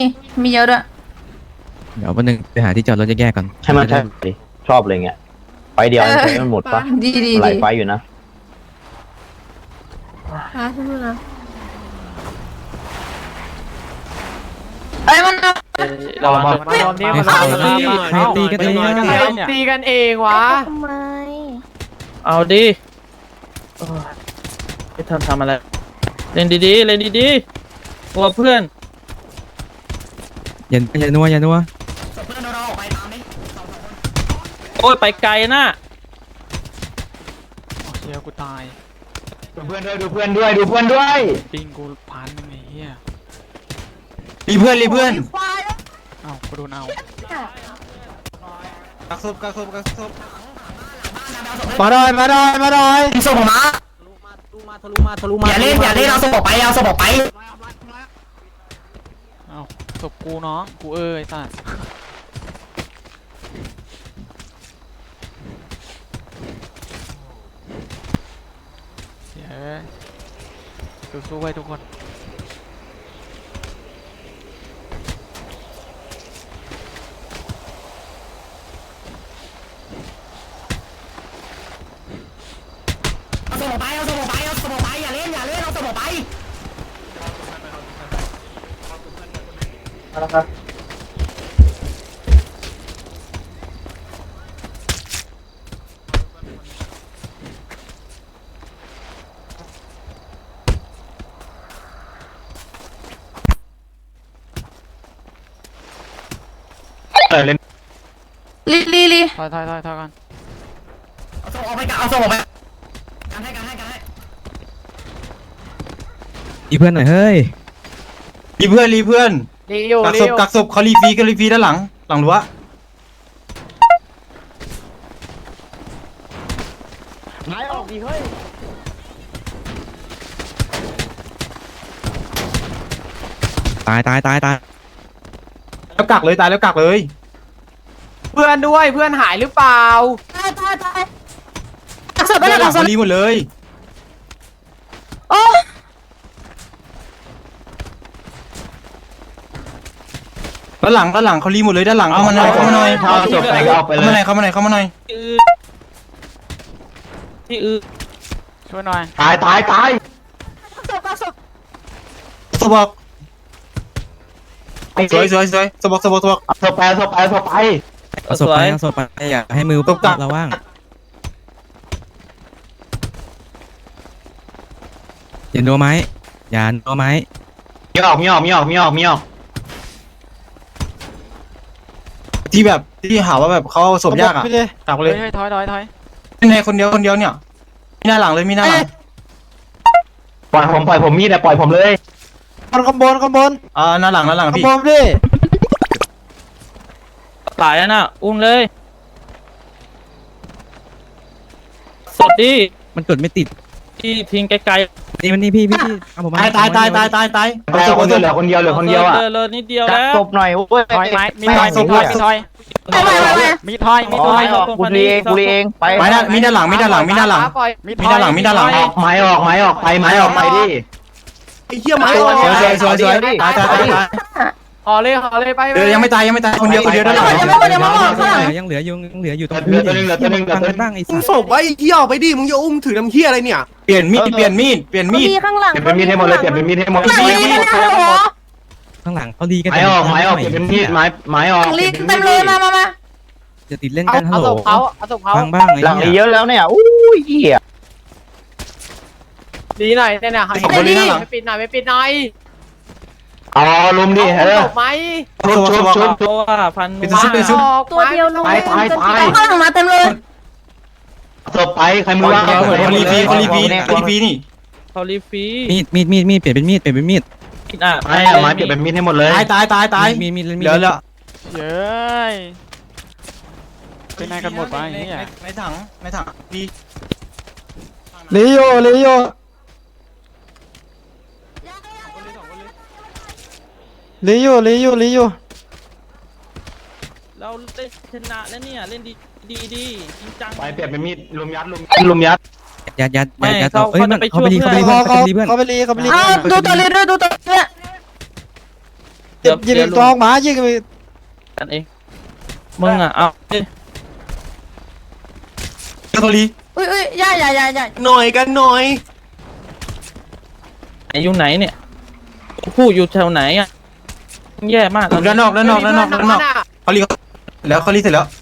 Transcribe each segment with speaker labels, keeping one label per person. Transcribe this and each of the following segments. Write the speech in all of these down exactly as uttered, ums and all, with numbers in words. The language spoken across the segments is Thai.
Speaker 1: มีเยอะด้วย
Speaker 2: เดี๋ยววันหนึ่งไปหาที่จอดรถแยกๆก่อน
Speaker 3: ใช่ไหมใช่ดิชอบเลยเงี้ยไฟเดียวใช้มันหมดปะ
Speaker 1: ดีดี
Speaker 3: หลา
Speaker 1: ดี
Speaker 3: ยไฟอยู่นะ
Speaker 1: ค่ะทุกคนนะไอ้มันเอา
Speaker 4: เรามารวมนี้มารวมนี้
Speaker 2: ใครตีกันเอง
Speaker 4: ตีกันเองวะ
Speaker 1: ทำไม
Speaker 5: เอาดิไม่ทำทำอะไรเล่นดีๆเล่นดีๆกลัวเพื่อน
Speaker 2: อย่าอย่านัวอย่านัว
Speaker 5: โอ้ยไปไกลนะ
Speaker 4: เฮียกูตาย
Speaker 3: ดูเพื่อนด้วยดูเพื่อนด้วยดูเพื่อนด้วย
Speaker 4: ปิงกูพันหนึ่งไอ้เฮีย
Speaker 6: รีเพื่อนรีเพื่อน
Speaker 4: เอ้ากูโดนเอา
Speaker 6: กักศพกักศพกักศพมาดอยมาดอยมาดอยส่งมาอย่าเล่นอย่าเล่นเอาศพออกไปเอาศพออกไป
Speaker 4: เอ้าศพกูน้องกูเอ้ยสัสเสียสู้ๆไว้ทุกคน
Speaker 6: เอาศพออกไปเอาศพออกไปเอาศพออกไปอย่าเล่นอย่าเล่นเอาศพออกไป
Speaker 3: เล่น
Speaker 1: ลีลีลี
Speaker 4: ถอยถอยถอยถอยกัน
Speaker 6: เอาศพออกไปเอาศพออกไปการให้การให้การให้
Speaker 2: อีเพื่อนหน่อยเฮ้ย
Speaker 6: รีเพื่อนรีเพื่อน
Speaker 4: รีอยู่
Speaker 6: กัก
Speaker 4: รี
Speaker 6: ศ
Speaker 4: อ
Speaker 6: พ
Speaker 4: ยู่
Speaker 6: กักศพเขารีฟรีก็รีฟรีด้านหลังหลังรั้ว
Speaker 3: ไม้ออกดีเฮ้ย
Speaker 2: ตายตายตายตาย
Speaker 6: แล้วกักเลยตายแล้วกักเลย
Speaker 4: เพื่อนด้วยเพื่อนหายหรือเปล่า
Speaker 1: ตายตายตายกักศพไป
Speaker 6: ด้า
Speaker 1: แล้
Speaker 6: น
Speaker 1: ว
Speaker 6: หลั
Speaker 1: กั
Speaker 6: ง
Speaker 1: กศพ
Speaker 6: เขารีหมดเลย
Speaker 1: โอ้
Speaker 6: ด้านหลังด้านหลังเขารีหมดเลยด้านหลังเข้ามาหน่อยเข้ามาหน่อย
Speaker 3: เอาจบไปก็ออกไป
Speaker 6: เข้า
Speaker 3: เล
Speaker 6: มาหน่อย
Speaker 3: ย
Speaker 6: เข้ามาหน่อยเข้ามาหน่อย
Speaker 5: ที่อือที่อือ
Speaker 4: ช่วยหน่อย
Speaker 3: ตายตายตาย
Speaker 1: กักศพกักศพ
Speaker 6: ศพบอกสวยสวยสวยศพบอกศพบอกศพบอก
Speaker 3: เอาศพไปเอาศพไปเอาศพไป
Speaker 2: เอาศพไปเอาศพไปอย่าให้มือ
Speaker 6: ตบกลับ
Speaker 2: เราว่างอย่านัวไม้อย่านัวไม้
Speaker 3: มีออกมีออกมีออกมีออกมีออก
Speaker 6: ที่แบบที่หาว่าแบบเขาเอาศพยากอ่ะกักเล
Speaker 4: เฮ้
Speaker 6: ย
Speaker 4: ยเฮ้ยถอยถอยถอย
Speaker 6: ในคนเดียวคนเดียวเนี่ยมีหน้าหลังเลยมีหน้าหลัง
Speaker 3: ปล่อยผมปล่อยผมมีดแต่ปล่อยผมเลย
Speaker 6: ข้างบนข้างบนอ่าหน้าหลังหน้าหลังพี่
Speaker 5: ตายแล้วนะอุ้มเลย สดดิ
Speaker 2: มันกดไม่ติด
Speaker 5: ที่ทิ้งไกล
Speaker 2: นี่มันนี่พี่พี่พี่เอาผมมา
Speaker 6: ตายตายตายตายตายตาย
Speaker 3: ตายคนเดียวเหลือคนเดียวเหลือ
Speaker 5: ๆ
Speaker 3: คนเดียวอ่ะ
Speaker 5: เออเลยนิดเดียว
Speaker 3: จับ
Speaker 5: แล้ว
Speaker 3: ศพหน่อยโอ้ย
Speaker 4: ถอยไม้มีถอยมีถอยมีถอย
Speaker 1: ไม่ไม่ไม่ไม่
Speaker 4: มีถอยมีถอย
Speaker 3: กูรีเองกูรีเองไป
Speaker 6: ไปด้านมีด้านหลังมีด้านหลังมีด้านหลัง มีด้านหลังมีด้านหลัง
Speaker 3: ออกไม้ออกไม้ออกไปไม้ออกไปดิ
Speaker 6: ไอ้เหี้ยไม้สวยสวยสวยสวยตายตายตายตาย
Speaker 4: ห่อเลยห่อเลยไป
Speaker 6: เดี๋ยวยังไม่ตายยังไม่ตายคนเดียวคนเดียวด้านหลัง
Speaker 1: ยังไม่หมดยังไม่หมดข้างหลัง
Speaker 2: ยังเหลืออยู่ยังเหลืออยู่ตรง
Speaker 3: เหลือตัวหนึงเหลือตัวหนึงเหลือ
Speaker 2: ฟัง
Speaker 3: ตัวห
Speaker 2: กั
Speaker 3: นึ
Speaker 2: น
Speaker 3: ง
Speaker 2: บ้างไอ้
Speaker 7: มึ
Speaker 2: สั
Speaker 7: ง
Speaker 2: ส
Speaker 7: ส่งไว้เหี้ยออกไปดิ มึงจะอุ้มถือน้ำเหี้ยอะไรเนี่ย
Speaker 6: เปลี่ยนมีดเปลี่ยนมีดเปลี่ยนมีดเปลี่ยนมีด
Speaker 1: ข้างหลัง
Speaker 3: เปลี่ยนเป็นมีดให้หมดเลยเปลี่ยนเป็นมีดให้หมด
Speaker 1: ข้างหลังลีลีฮัลโหล
Speaker 2: ข้างหลังเขาดีกัน
Speaker 3: ไม้ออกไม้ออกเปลี่ยนเป็นมีดไม้ไม้ออก
Speaker 1: ลีเต็มเลยมามามา
Speaker 2: จะติดเล่น
Speaker 4: เอา
Speaker 2: กันฮั
Speaker 4: เอา
Speaker 2: ลโหล
Speaker 4: ศพเขาเอาศพเขา
Speaker 2: ฟังบ้างไอ้
Speaker 3: หลังนี้
Speaker 2: เหี้
Speaker 3: เย
Speaker 2: ย
Speaker 3: อะแล้วเนี่ยอู้ยเหี้ย
Speaker 4: ดีหน่อยเนี่ยให้ไม่ปิดหน่อยไม่ปิดหน่อย
Speaker 3: เอาลุมดิเออ
Speaker 4: ศพไหม
Speaker 3: ชุบชุบชุบ
Speaker 5: เพราะว่าพัน
Speaker 6: เป็นชุบเป็นชุบ
Speaker 1: ตัวเดียวลง
Speaker 3: ตายตายตาย
Speaker 1: ข้างหลังมาเต็มเลย
Speaker 3: ศพไปใครมือว่าง
Speaker 6: คนรีฟีคนรีฟีคนรีฟีนี่
Speaker 5: เขารีฟรี
Speaker 2: มีดมีดมีดมีดเปลี่ยนเป็นมีดเปลี่ยนเป็นมีด
Speaker 5: อ่ะ
Speaker 3: ไม้ไม้เปลี่ยนเป็นมีดให้หมดเลย
Speaker 6: ตายตายตายตาย
Speaker 2: มีดมีดมีด
Speaker 6: เหลือเหลือ
Speaker 4: เย้ยเป็นไงกันหมดวะไอ้เหี้ย
Speaker 6: ในถังในถังดี
Speaker 7: ลีโยลีโยลีโยลีโยลีโย
Speaker 5: เราเล่นชนะแล้วเนี่ยเล่นดีดีดีจริงจัง
Speaker 3: ไปเปลี่ยนเป็นมีดลุมยัดลุมลุมยัด
Speaker 2: ยัดยัด
Speaker 5: ไม่
Speaker 2: ยัดยัด
Speaker 5: เขา
Speaker 2: เอ้ยมัน
Speaker 5: เขาจะไป
Speaker 2: เขาไปดี
Speaker 5: ช่วย
Speaker 2: เขาไปดี
Speaker 7: เขา
Speaker 2: เพื่อน
Speaker 7: เขา
Speaker 2: เขาไปดีเพื่อน
Speaker 7: เขาไปรีเขาไปรี
Speaker 1: เอาดูตัวลีด้วยดูตัวลี
Speaker 5: เดี๋ยว
Speaker 7: ยิง
Speaker 5: เดี๋ยว
Speaker 7: กองหมายิงไป
Speaker 5: กันเองมึงอ่ะเอาดิ
Speaker 1: โทรี
Speaker 8: อุ้ยอุ้ยย่าอย่าอย่าอย่า
Speaker 7: หน่อยกันหน่อย
Speaker 5: ไหนอยู่ไหนเนี่ยผู้อยู่แถวไหนอ่ะแย่มากตอน
Speaker 1: ด้านน
Speaker 5: นี้
Speaker 1: อกด้านนอกด้านนอกด้านนอกเขารีแล้วเขารีเสร็จแล้ว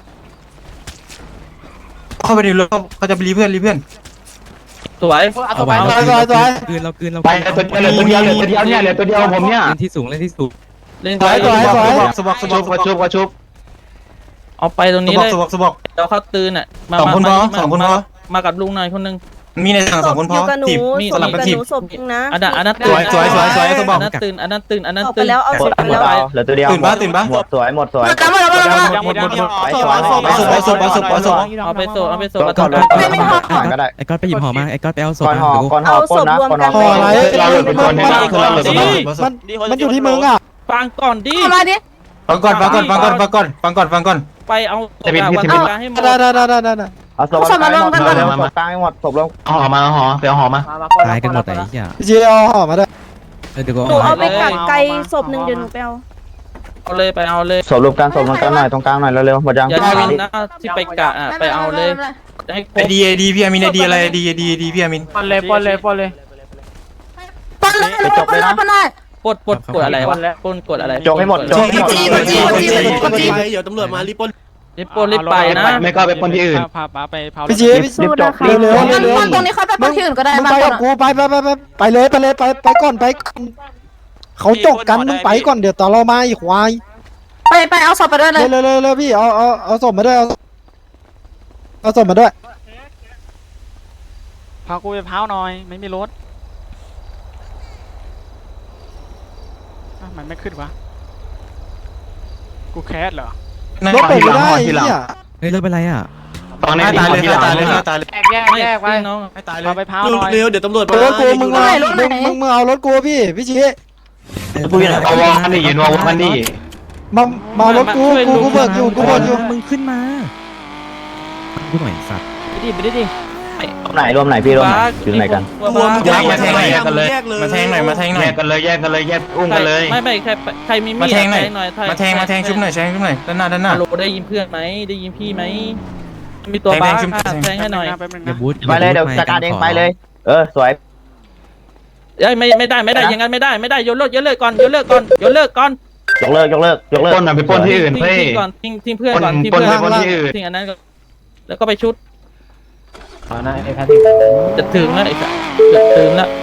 Speaker 1: เข้าไปในรถเขาจะไปรีเพื่อนรีเพื่อน
Speaker 5: สวย
Speaker 2: เอาไว้เราคืนเราคืนเราคืนเรา
Speaker 3: ไป
Speaker 2: คืน
Speaker 3: เหลือตัวเดียวเหลือตัวเดียวเนี่ยเหลือตัวเดียวผมเนี่ย
Speaker 2: เล่นที่สูงเล่นที่สูง
Speaker 5: เล่น
Speaker 7: สวยสวยสวย
Speaker 1: สบอกส
Speaker 3: ชุ
Speaker 1: บอก
Speaker 3: กระชุบกระชุบ
Speaker 5: เอาไปตรง
Speaker 1: ส
Speaker 5: นี้
Speaker 1: บอ
Speaker 5: เล
Speaker 1: ก
Speaker 5: ย
Speaker 1: สบอกสบอก
Speaker 5: เดี๋ยวเขาตื่นอ่ะมา
Speaker 1: สองคนพอ
Speaker 5: มา
Speaker 1: สองคนพอ
Speaker 5: มามากับลุงหน่อยคนนึง
Speaker 1: มีในสั่งสองคนพอ
Speaker 8: อยู่กับหนู
Speaker 1: ทีม
Speaker 5: มี
Speaker 8: ศ
Speaker 1: ส
Speaker 8: พ
Speaker 1: ลับ
Speaker 8: อ
Speaker 1: กัน
Speaker 8: ยู่กับ
Speaker 1: ที
Speaker 8: ห
Speaker 1: ม
Speaker 8: นูศพจริงนะ
Speaker 5: อันนั้นอันนั้น
Speaker 1: สวยสวยสวยสวยเขาบอก
Speaker 5: อันนั้นตื่นอันนั้นตื่นอันนั้น
Speaker 8: ออกไป
Speaker 5: ตื่น
Speaker 8: แล้วเอา
Speaker 3: หม
Speaker 8: ศ
Speaker 3: ด
Speaker 8: พไป
Speaker 3: หมด
Speaker 8: แล้ว
Speaker 3: เอาเหลือตัวเดียว
Speaker 1: ตื่นปะตื่นปะ
Speaker 3: หมดสวยหมดสวย
Speaker 8: หมดแล้วหมดแล้วหมดแล้ว
Speaker 1: หมดหมดหมด
Speaker 3: ไปสวย
Speaker 1: เอาศพเอาศพเอาศพเอาศพ
Speaker 5: เอาไปโซ่เอาไปโซ่
Speaker 3: ก็
Speaker 5: มา
Speaker 3: ก็
Speaker 5: ต่อ
Speaker 3: เลย
Speaker 8: ไม่ไม่ห่อ
Speaker 3: ก็ได้
Speaker 2: ไอ้ก้อนไปหยิบห่อมาไอ้ก้อนไปเอาศพ
Speaker 3: ก่อน
Speaker 2: มา
Speaker 3: ห่อ
Speaker 2: เดี๋ยวกู
Speaker 3: ก่อนห่อปล้นนะก่อนห่อ
Speaker 7: ห่ออะไร
Speaker 3: เราเหลือเป็นคน
Speaker 7: มัน
Speaker 3: ให้เรา
Speaker 7: มันมันอยู่ที่มึงอ่ะ
Speaker 5: ฟังก่อนดิ
Speaker 8: เอามาดิ
Speaker 1: ฟังก่อนฟังก่อนฟังก่อนฟังก่อนฟังก่อนฟังก่อน
Speaker 5: ไปเอาศพอะวันกลางให้หมด
Speaker 7: ได้ได้ได้ได้ได้
Speaker 3: เอาศพกลางให้หมดเร็วศพกลางให้หมดศพลงห่อมาห่อไปเอาห่อมา
Speaker 2: ตายกันหมดไอ้เหี้ย
Speaker 7: พี่จีเอาห่อมาได้
Speaker 2: เออเดี๋ยวกู
Speaker 8: หนู
Speaker 2: เอา
Speaker 8: เอา
Speaker 2: ให้
Speaker 8: ไปกักไกลศพหนึ่งเดี๋ยวหนูไปเอา
Speaker 5: เอาเลยไปเอาเลย
Speaker 3: ศพรวมกันศพรวมกันหน่อยตรงกลางหน่อยเร็วๆหมดยัง
Speaker 5: อย่าลืมนะที่ไปกะอ่ะไปเอาเลยให้คร
Speaker 1: ไอบ ดีไอดีพี่อามินไอดีอะไรไอดีไอดีไอดีพี่อามิน
Speaker 4: ปอนเลยปอนเลยปอนเลย
Speaker 8: ปนเลยปนเลยปนเลย
Speaker 5: ปดปดกดอะไรวะปนกดอะไร
Speaker 3: จกให้หมดจกให้หมด
Speaker 7: เดี๋ยวตำรวจมารีบปล้น
Speaker 5: รีบปนรีบไปนะ
Speaker 3: ไม่ก็ไปปล้นที่อื่น
Speaker 4: พาป้าไปเผา
Speaker 7: พี่จีพี่
Speaker 8: สู้นะคะ
Speaker 7: เร็วเร็ว
Speaker 8: งั้น
Speaker 7: เร็ว
Speaker 8: ตรงนี้ค่อยไปปนที่อื่นก็ได้
Speaker 7: มึง
Speaker 8: มา
Speaker 7: ไป
Speaker 8: ก่
Speaker 7: กั
Speaker 8: อบ น
Speaker 7: กูไปไปไปไปไปเลยไปเลยไปไปก่อนไปเขาจกกันมึงไปก่อนเดี๋ยวต่อเรามาอีกควาย
Speaker 8: ไปไปเอาศพไปด้วยเลย
Speaker 7: เร็วเร็วเร็วพี่เอาเอาเอาศพมาด้วยเอาเอาศพมาด้วย
Speaker 4: พากูไปเผาหน่อยไม่มีรถมันไม่ขึ้นวะกูแคสเหรอ
Speaker 7: รถเปิดไม่ได้เนี่ย
Speaker 2: เฮ้ยรถเป็นไรอ่ะ
Speaker 3: ตอนนี้
Speaker 1: ให้ตายเลยให้ตายเลยให้ตายเลย
Speaker 4: แยกแยก
Speaker 5: ไม่
Speaker 4: แยกไว้
Speaker 5: น้อง
Speaker 1: ให้ตายเล
Speaker 4: พาย ไปเผาหน่อย
Speaker 7: เร็วเดี๋ยวตำรวจมารถกูมึงเอามึงมึงมึงเอารถกูพี่พี่จี
Speaker 3: กูอยู่ไหนเอาวอกันดิยืนวอกันดิ
Speaker 7: มามาเอารถกูกูกูเบิกอยู่กูเบิกอยู่
Speaker 2: มึงขึ้นมากูหน่อยสัตว์
Speaker 4: ไปดิไปดิดิ
Speaker 3: รวมไหนรวมไหนพี่รวมไหนอยู่ไหนกัน
Speaker 5: รวม
Speaker 1: ยักมาแทงหน่อยมาแทงหน่อยมาแทงหน่อย
Speaker 3: แยกกันเลยแยกกันเลยแยกอุ้มกันเลย
Speaker 5: ไม่ไม่ใครใครมีมี
Speaker 1: มา
Speaker 5: ด
Speaker 1: แทงหน่อย
Speaker 5: หน่อย
Speaker 1: มาแทงมาแทงชุบหน่อยแทงชุบหน่อยด้านหน้าด้านหน้า
Speaker 5: ฮัลโหลได้ยินเพื่อนไหมได้ยินพี่ไหมมีตัวบ้าแทงให้หน่อย
Speaker 4: แป๊บนึง
Speaker 2: อย่า
Speaker 4: นะ
Speaker 2: บูท
Speaker 3: ไปเลยเดี๋ยวจัดการเองไปเลย เออสวย
Speaker 5: เอ้ยไม่ไม่ได้ไม่ได้อย่างนั้นไม่ได้ไม่ได้โยนเลิกโยนเลิกก่อนโยนเลิกก่อนโยนเลิกก่อน
Speaker 3: ยกเลิกยกเลิกยกเลิกปล้นมันไปปล้นที่อื่น
Speaker 5: ทิ้ง
Speaker 3: เพื่
Speaker 5: ทิ้งก่อนทิ้งทิ้งเพื่อนก่อนทิ้ง
Speaker 3: ปล้น
Speaker 5: เพื่อน
Speaker 3: ไปปล้นที่อื่น
Speaker 5: ทิ้งอันนั้นก่อนแล้วก็ไปชุด
Speaker 3: อ๋อนะไอ้แพท
Speaker 5: จะถึงแล้วไอ้สัสจะถึงแล้ว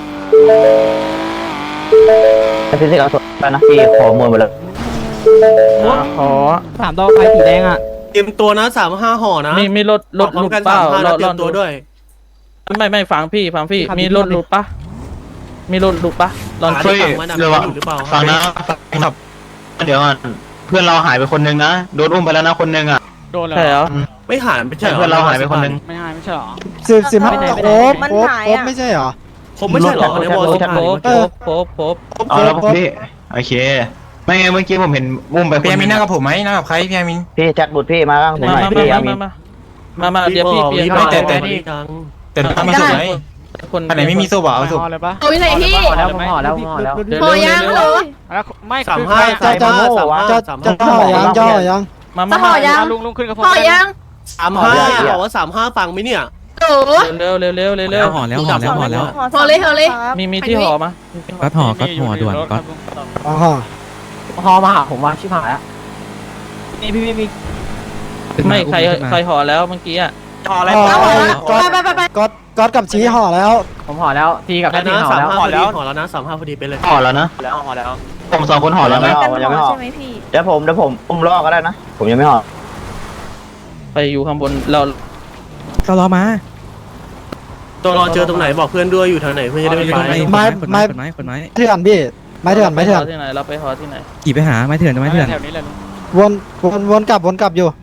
Speaker 3: พี่ที่เอาสดไปนะพี่ขอมวยหมดเลย
Speaker 5: ขอ
Speaker 6: สามดอกไฟสีแดงอ่ะ
Speaker 7: เตรียมตัวนะสามห้าห่อนะ
Speaker 5: มีมีรถรถหลุดเปล่า
Speaker 7: เรา
Speaker 5: เรา
Speaker 7: เตรีย
Speaker 5: เรา
Speaker 7: มตัวด้วย
Speaker 5: ไม่ไม่ฟังพี่ฟังพี่
Speaker 6: ครับ
Speaker 5: มีรถหลุดปะมีรถหลุดปะลอง
Speaker 7: หา
Speaker 5: ช่วย
Speaker 7: ที่ฝั่งมันอะมันอยู่หรือเปล่า
Speaker 3: ฟังนะ เดี๋ยวเพื่อนเราหายไปคนนึงนะโดนอุ้มไปแล้วนะคนนึงอ่ะ
Speaker 4: โดนเลย
Speaker 5: ใช่เหรอ
Speaker 7: ไม่หายไม่ใช่หรอ
Speaker 3: เพื่อนเราหายไปคนนึง
Speaker 4: ไม่หายไม่ใช่หรอ
Speaker 7: สิบสิบห้า
Speaker 8: ไม่
Speaker 7: ค
Speaker 8: ได้
Speaker 7: รบ
Speaker 8: มัน
Speaker 7: ครบ
Speaker 8: หาย
Speaker 7: ครบ
Speaker 8: อะ
Speaker 7: ไม่ใช่เหรอผมไม่ใช่หรอในวอล
Speaker 5: โผ
Speaker 7: สิบ
Speaker 5: ล่
Speaker 7: ห้า
Speaker 5: โผล่โผล่โผล่
Speaker 3: เอาแล้วพี่โอเคไม่ไงเมื่อกี้ผมเห็นอุ้มไปคน
Speaker 1: พี่อามิ
Speaker 3: นึ
Speaker 1: น
Speaker 3: ง
Speaker 1: นั่งกับผมไหมนั่งกับใครพี่อามิน
Speaker 3: พี่แจ็คบุตรพี่มาข้างผม
Speaker 5: มา
Speaker 3: หน่อย
Speaker 5: มา
Speaker 3: พี่อา
Speaker 5: มา
Speaker 3: มิ
Speaker 5: มาน มามาเดี๋ยวพี่เปลี่ยน
Speaker 1: ไม่แต่แต่
Speaker 7: นี่
Speaker 1: แต่ถ้ามีศพไหม
Speaker 5: คน
Speaker 1: อันไหนไม่มีศพเอาศพ
Speaker 4: ห่อเลยปะ
Speaker 8: เอาอยู่ไหนพี่
Speaker 4: ห่อแล้วผมห่อแล้วผมห่อแล้ว
Speaker 8: พอยังฮัลโหล
Speaker 4: แล้วไม่
Speaker 7: สาม
Speaker 4: คือ
Speaker 7: ห้า
Speaker 4: ใคร
Speaker 7: จะจะจะจะจะห่อยังจะห่อยัง
Speaker 5: มา
Speaker 8: จะ
Speaker 5: มา
Speaker 8: ห่อยัง
Speaker 4: ลุงลุงขึ้นกับผม
Speaker 8: พอยัง
Speaker 7: สามห้าบอกว่าสามห้าฟังไหมเนี่ย
Speaker 8: โอ้
Speaker 5: เร็วเร็วเร็วเร็วเร็
Speaker 2: แล้ว วห่อแล้วห่อแล้วห่อแล้ว
Speaker 8: พอเลยพอเลย
Speaker 5: มีมีที่ห่อมา
Speaker 2: ก็ห่อก็ห่อด่วนก็
Speaker 7: อ๋อ
Speaker 6: ฮอมาหาผมว่าชิบหายแล้วนี่พี่พี่มี
Speaker 5: ไม่ใครใครห่อแล้วเมื่อกี้อ่ะ
Speaker 7: ห่อแล้ว
Speaker 8: ไปไปไปไป
Speaker 7: ก๊อตก๊อตกับชี้ห่อแล้ว
Speaker 6: ผมห่อแล้วทีกับแพ
Speaker 7: แต่
Speaker 6: ทย์
Speaker 7: นะ
Speaker 6: ห่อ
Speaker 7: สาม
Speaker 6: แล้ว
Speaker 7: ห้าพอดีห่อแล้วนะสามห้าพอดีไปเลย
Speaker 3: ห่อแล้วนะ
Speaker 6: แล้วห่อแล้ว
Speaker 3: ผมสองคนห่อแล้วนะ
Speaker 8: กันห่อใช่ไหมพี่
Speaker 3: เดี๋ยวผมเดี๋ยวผมอุ้มล่อก็ได้นะผมยังไม่ห่อ
Speaker 5: ไปอยู่ข้างบนเรา
Speaker 2: ก็รอมา
Speaker 7: ตัวรอเจอตรงไหนบอกเพื่อนด้วยอยู่ทางไหนเพื่อนจะได้ไม่ไป
Speaker 2: ไม้ไม้ไม้คนไม้
Speaker 7: เถื่อนพี่ไม่เถื่อนไม่เถื่อน
Speaker 5: ที่ไหนเราไปห่อที่ไหน
Speaker 2: ขี่ไปหาไม้เถื่อนไม้เถื่อน
Speaker 4: แถวนี้เลย
Speaker 7: วนวนวนกลับวนกลับอยู่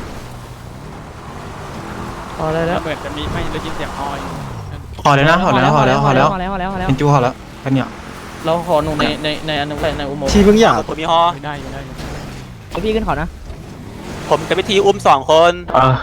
Speaker 5: ห่อได้แล้ว
Speaker 4: เหมือนจะมีไม่ได้ยินเสียงฮอย
Speaker 1: ห่อเลยนะห่อแล้วห่อแล้วห่อแล้ว
Speaker 6: ห่อแล้วห่อแล้วห่อแล้ว
Speaker 1: เป็นจูห่อแล้วกันเนี่ย
Speaker 5: เราห่อหนูในในในอันนึงไปในอุโมงค์
Speaker 7: ชี้เพิ่งอยาก
Speaker 9: ผมมีฮอ
Speaker 4: อยู่ได้อยู่ได้อยู่
Speaker 6: พี่ขึ้นขอนะ
Speaker 9: ผมกับพิธีอุ้มสองคน
Speaker 3: เออ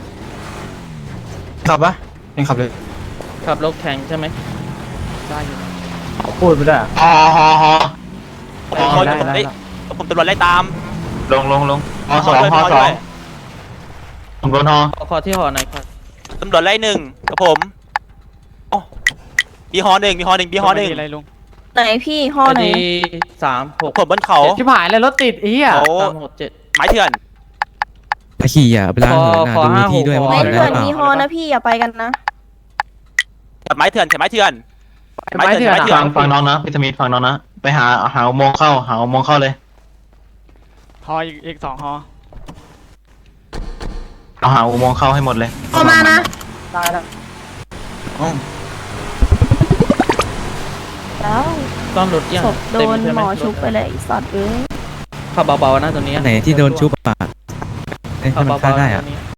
Speaker 1: ขับปะยังขับเลย
Speaker 5: ขับรถแข่งใช่ไหม
Speaker 4: ได้อยู่
Speaker 6: พูดไปด้วย
Speaker 3: ห่อห่อห่อ
Speaker 5: ไป
Speaker 3: อ๋อ
Speaker 9: คน
Speaker 3: ได้
Speaker 9: ผมได้ผมตำรวจไล่ตาม
Speaker 3: ลงลงลงฮอสองฮอสองผมโดนฮอ
Speaker 5: ขอขอที่หอหน่อยครับ
Speaker 9: ตำรวจไล่หนึ่งกับผมอ๋อมีฮอหนึ่งมีฮอหนึ่งมีฮอหนึ่ง
Speaker 4: อะไรลุง
Speaker 8: ไหนพี่ห่อ
Speaker 5: ไอ
Speaker 8: ไหน
Speaker 5: ดีสามหก
Speaker 9: ผมบนเขา
Speaker 4: ชิบหายเลยรถติดไอ้เหี้ย
Speaker 9: เขา
Speaker 5: สามหกเจ็ด
Speaker 9: ไม้เถื่อน
Speaker 2: ตะขี่อ่ะเวลาเหินนะ
Speaker 5: ขอ
Speaker 2: ดู
Speaker 5: ห้า
Speaker 2: ที่ด้วย
Speaker 5: หก
Speaker 2: ว่า
Speaker 8: ไม่
Speaker 2: เหินได้
Speaker 8: เถื่อน
Speaker 2: เปล่า
Speaker 8: มีฮอนะพี่อย่าไปกันนะ
Speaker 9: จับไม้เถื่อนจับไม้เถื่อน
Speaker 4: ไม้เถื่อน
Speaker 9: ไม้เถื่อ
Speaker 3: ฟังฟังน้องนะพิสมิธฟังน้องนะไปหาหาอุโมงค์เข้าหาอุโมงค์เข้าเลย
Speaker 4: ฮออีกอีกสองฮอ
Speaker 3: เอาหาอุโมงค์เข้าให้หมดเลย
Speaker 8: เข้ามานะ
Speaker 1: อ๋อ
Speaker 8: แล้ว
Speaker 5: ซ่อมรถยัง
Speaker 8: ศพโด
Speaker 5: เต็ม
Speaker 8: น
Speaker 5: ใช่
Speaker 8: ห
Speaker 5: ไห
Speaker 8: ม
Speaker 5: ม
Speaker 8: อชุบไปเลยไอ้สัตว์เอ้ย
Speaker 5: ขับเบาๆนะตรงนี้
Speaker 2: อันไหนที่โดนชุบอ่ะให้
Speaker 5: ขับ
Speaker 2: มัน
Speaker 5: เบา
Speaker 2: ฆ่า
Speaker 5: ๆ
Speaker 2: ได้
Speaker 5: นะต
Speaker 2: อ่ะ
Speaker 5: รงนี้